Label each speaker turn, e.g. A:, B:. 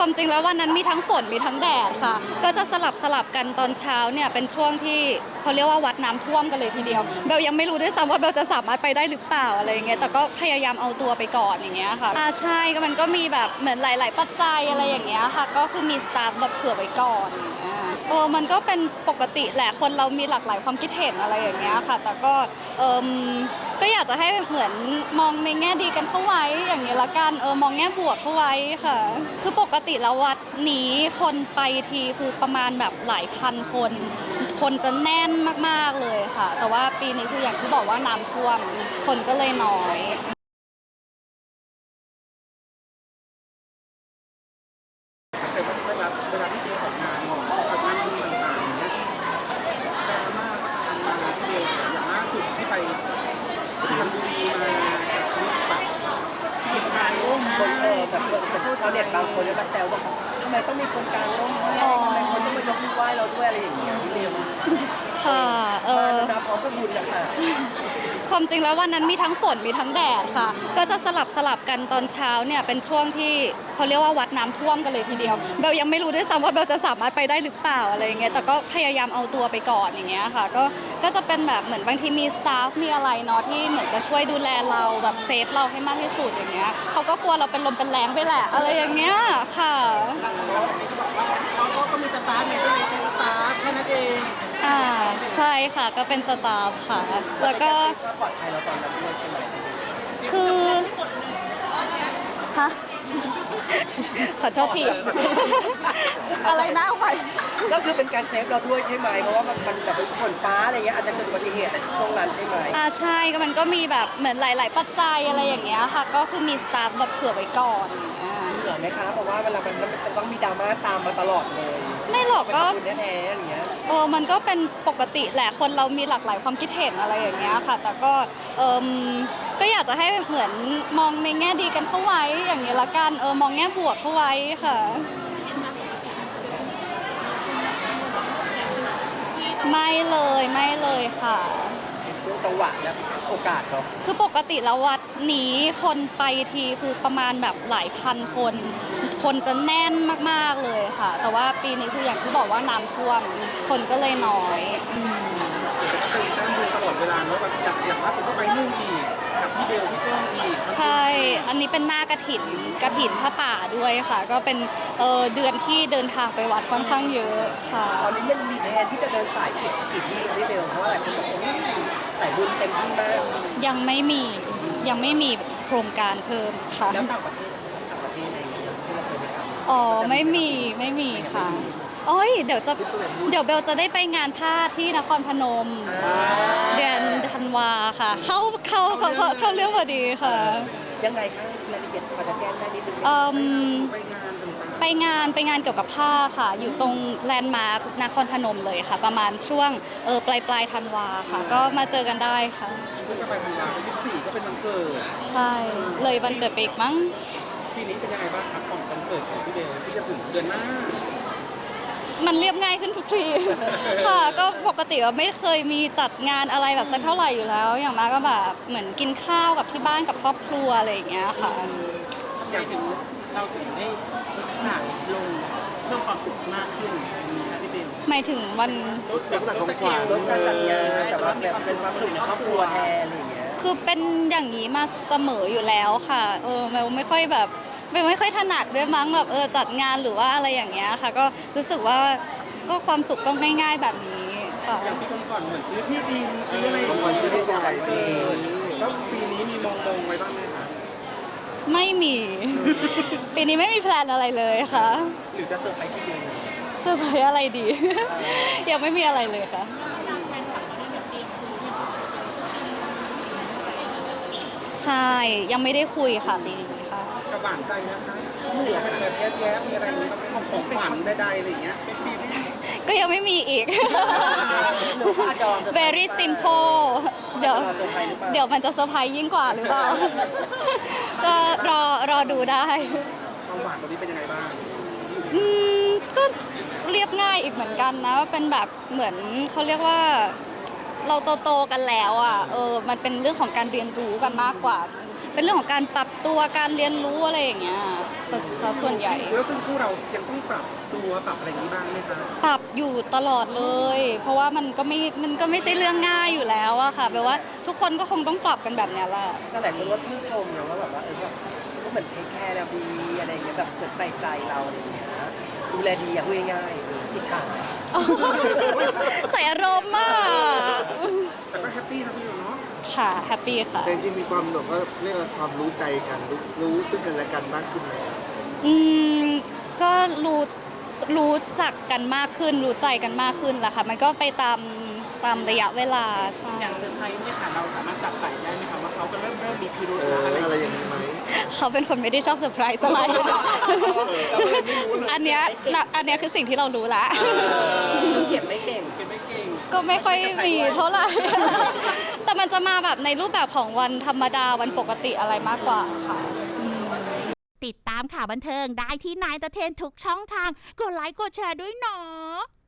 A: ความจริงแล้ววันนั้นมีทั้งฝนมีทั้งแดดค่ะก็จะสลับกันตอนเช้าเนี่ยเป็นช่วงที่เขาเรียกว่าวัดน้ำท่วมกันเลยทีเดียวเบลยังไม่รู้ด้วยซ้ำว่าเบลจะสามารถไปได้หรือเปล่าอะไรอย่างเงี้ยแต่ก็พยายามเอาตัวไปก่อนอย่างเงี้ยค่ะใช่ก็มันก็มีแบบเหมือนหลายๆปัจจัยอะไรอย่างเงี้ยค่ะก็คือมีสตาฟแบบเผื่อไว้ก่อนอย่างเงี้ยมันก็เป็นปกติแหละคนเรามีหลากหลายความคิดเห็นอะไรอย่างเงี้ยค่ะแต่ก็เออก็อยากจะให้เหมือนมองในแง่ดีกันเข้าไว้อย่างนี้ละกันมองแง่บวกเข้าไว้ค่ะคือปกติแล้ววัดนี้คนไปทีคือประมาณแบบหลายพันคนคนจะแน่นมากๆเลยค่ะแต่ว่าปีนี้คืออย่างที่บอกว่าน้ำท่วมคนก็เลยน้อย
B: แต่ว่าเวลาที่เจอออกงานดูต่างๆอย่างเงี้ยดราม่าการมาที่เดียวอย่างล่าสุดที่ไปสุพรรณบุรีมากับคลิปแบบเหตุการณ์ร่วม
C: คนจากชาวเน็ตบางคนก็แซวว่าทำไมต้องมีคนกลางร่มให้ทำไมคนต้องมายกมือไหว้เราด้วยอะไรอย่างเงี้ยพี่เรียม
A: ค่ะ
C: มาแล้วนะพร้อมกับบุญนะคะ
A: ความจริงแล้ววันนั้นมีทั้งฝนมีทั้งแดดค่ะก็จะสลับกันตอนเช้าเนี่ยเป็นช่วงที่เขาเรียกว่าวัดน้ำท่วมกันเลยทีเดียวเบลยังไม่รู้ด้วยซ้ำว่าเบลจะสามารถไปได้หรือเปล่าอะไรอย่างเงี้ยแต่ก็พยายามเอาตัวไปก่อนอย่างเงี้ยค่ะก็จะเป็นแบบเหมือนบางทีมีสตาฟมีอะไรเนาะที่เหมือนจะช่วยดูแลเราแบบเซฟเราให้มากที่สุดอย่างเงี้ยเขาก็กลัวเราเป็นลมเป็นแรงไปแหละอะไรอย่างเงี้ยค่ะ
B: ก็มีสตาร์ทเนี่ยก็เลยใช้สตาร์ทแค่นั้นเอง
A: ใช่ค่ะก็เป็นสตาฟค่ะแล้วก็
C: ปลอดภัยเราตอนนั้นด้วยใช่ไหม
A: คือฮะขอโทษทีอะไรนะเอาใหม่
C: ก็คือเป็นการเซฟเราด้วยใช่ไหมเพราะว่ามันแบบเป็นฝนฟ้าอะไรเงี้ยอาจจะเกิดอุบัติเหตุในช่วงนั้นใช่ไหม
A: ใช่ก็มันก็มีแบบเหมือนหลายๆปัจจัยอะไรอย่างเงี้ยค่ะก็คือมีสตาฟแบบเผื่อไว้ก่อนอย่างเงี้ย
C: เหนื่อยไหมคะเพราะว่าเวลามันต้องมีดราม่าตามมาตลอดเลย
A: ไม่หรอกก็
C: คุณแท้ๆอย่างเงี้ย
A: มันก็เป็นปกติแหละคนเรามีหลากหลายความคิดเห็นอะไรอย่างเงี้ยค่ะแต่ก็ก็อยากจะให้เหมือนมองในแง่ดีกันเข้าไว้อย่างนี้ละกันมองแง่บวกเข้าไว้ค่ะไม่เลยค่ะ
C: ช่วงจังหวะและโอกาสเนาะ
A: คือปกติแล้ววัดนี้คนไปทีคือประมาณแบบหลายพันคนคนจะแน่นมากๆเลยค่ะแต่ว่าปีนี้คืออย่างที่บอกว่าน้ำท่วมคนก็เลยน้อย
B: ตื่นเต้นดูตลอดเวลาเนาะแบบอย่างล่าสุดก็ไปนู่นอีกกับพี่เบลพี่ก้องอีก
A: ใช่อันนี้เป็นหน้ากฐินผ้าป่าด้วยค่ะก็เป็นเดือนที่เดินทางไปวัดค่อนข้างเยอะค่ะ
C: ตอนนี้มันมีแผนที่จะเดินสายกี่ที่พี่เบลเพราะว่าหลายคนบอกว่าสายบุญเต็มที่มาก
A: ยังไม่มีโครงการเพิ่มค่ะ
C: แล้วต่างประเทศอะไรอย่างเงี้ยที่เราเคยไปทำ
A: ไม่มีค่ะโอ้ยเดี๋ยวเบลจะได้ไปงานผ้าที่นครพนมเดือนธันวาค่ะเข้าเรื่องพอดีค่ะ
C: ยังไงคะรายละเอียดพอจะแจ้งได้นิดนึง
A: ไปงานเกี่ยวกับผ้าค่ะอยู่ตรงแลนด์มาร์คนครพนมเลยค่ะประมาณช่วงปลายธันวาค่ะก็มาเจอกันได้ค่ะ
B: ซึ่งก็ไปธันวา24ก็เป็นวันเกิด
A: ใช่เลยวันเกิดไปอีกมั้ง
B: ปีนี้เป็นยังไงบ้างครับของวันเกิดของพี่เบลที่จะถึงเดือนหน้า
A: มันเรียบง่ายขึ้นทุกทีค่ะก็ปกติก็ไม่เคยมีจัดงานอะไรแบบสักเท่าไหร่อยู่แล้วอย่างมากก็แบบเหมือนกินข้าวกับที่บ้านกับครอบครัวอะไรอย่างเงี้ยค่ะ
B: อย่างถึงเราถึงได้ลดขนาดลงเพิ่มความสุขมากขึ้นมีนะพี่เบล
A: หมายถึงวัน
B: ลดการจัดงาน
C: แต่ว่าแบบเป็นความสุขในครอบครัวแทนอะไรอย่างเงี้ย
A: คือเป็นอย่างนี้มาเสมออยู่แล้วค่ะไม่ค่อยแบบไม่ค่อยถนัดด้วยมั้งแบบจัดงานหรือว่าอะไรอย่างเงี้ยค่ะก็รู้สึกว่าก็ความสุขก็ง่ายๆแบบนี้ค่ะ
B: อย่างปีก่อนเหมือนซื้อที่ดินซื้ออะไรวันที่ใหญ่แล้วปีนี้มีมองไว้บ้างไหมคะ
A: ไม่มีปีนี้ไม่มีแพลนอะไรเลยค่ะ
C: หรือจะเซอร์ไพรส์ที่เดียว
A: เซอร์ไพรส์อะไรดียังไม่มีอะไรเลยค่ะใช่ยังไม่ได้คุยค่ะปีนี้ค่ะ
B: กับหวานใจนะคะเหลือเป็นแบบแย้มๆมีอะไรอย่างนี้ของขวัญใดๆอะไรอย่างเงี้ยเป็นปีนี้
A: ก็ยังไม่มีอีก very simple เดี๋ยวมันจะเซอร์ไพรส์ยิ่งกว่าหรือเปล่าก็รอดูได้
B: ความหวานตอนนี้เป็นยังไงบ้าง
A: ก็เรียบง่ายอีกเหมือนกันนะเป็นแบบเหมือนเขาเรียกว่าเราโตกันแล้วอ่ะมันเป็นเรื่องของการเรียนรู้กันมากกว่าเป็นเรื่องของการปรับตัวการเรียนรู้อะไรอย่างเงี้ยซะส่วนใหญ่
B: แล้วซึ่งคู่เรายังต้องปรับตัวปรับอะไรอย่างนี้บ้างไหมคะ
A: ปรับอยู่ตลอดเลย เพราะว่ามันก็ไม่ใช่เรื่องง่ายอยู่แล้วอะค่ะแปลว่าทุกคนก็คงต้องปรับกันแบบเนี้ยแหละ
C: ก็หลายคนว่าชื่นชมนะว่าแบบว่าแบบก็เหมือนเทคแคร์เราดีอะไรอย่างเงี้ยแบบเหมือนใส่ใจเราอะไรอย่างเงี้ยดูแลดีอะพูดง่ายๆอิจฉา
A: ใส่อารมณ์มาก
B: แต่ก็แฮปปี้นะพี่เนาะ
A: ค่ะแฮปปี้ค่ะ
D: แต่จริงๆมีความแบบว่าเรียกว่าความรู้ใจกันรู้ซึ่งกันและกันมากขึ้นไหมครับ
A: อืมก็รู้จักกันมากขึ้นรู้ใจกันมากขึ้นแหละค่ะมันก็ไปตามระยะเวลาใช่
B: อย่างเซอร์ไพรส์เนี่ยค่ะเราสามารถจับไต่ได้ไหมคะว่าเขาจะเริ่มมีพิรุธ
D: อะไร
B: อะไร
D: อย่างนี้ไหม
A: เขาเป็นคนไม่ได้ชอบเซอร์ไพรส์อะไรอันเนี้ยคือสิ่งที่เรารู้ละ
C: เขียนไม่เก่ง
A: ก็ไม่ค่อยมีเท่าไหร่ แต่มันจะมาแบบในรูปแบบของวันธรรมดาวันปกติอะไรมากกว่าค่ะ
E: ติดตามข่าวบันเทิงได้ที่นายตะเทนทุกช่องทาง กดไลค์กดแชร์ด้วยเนาะ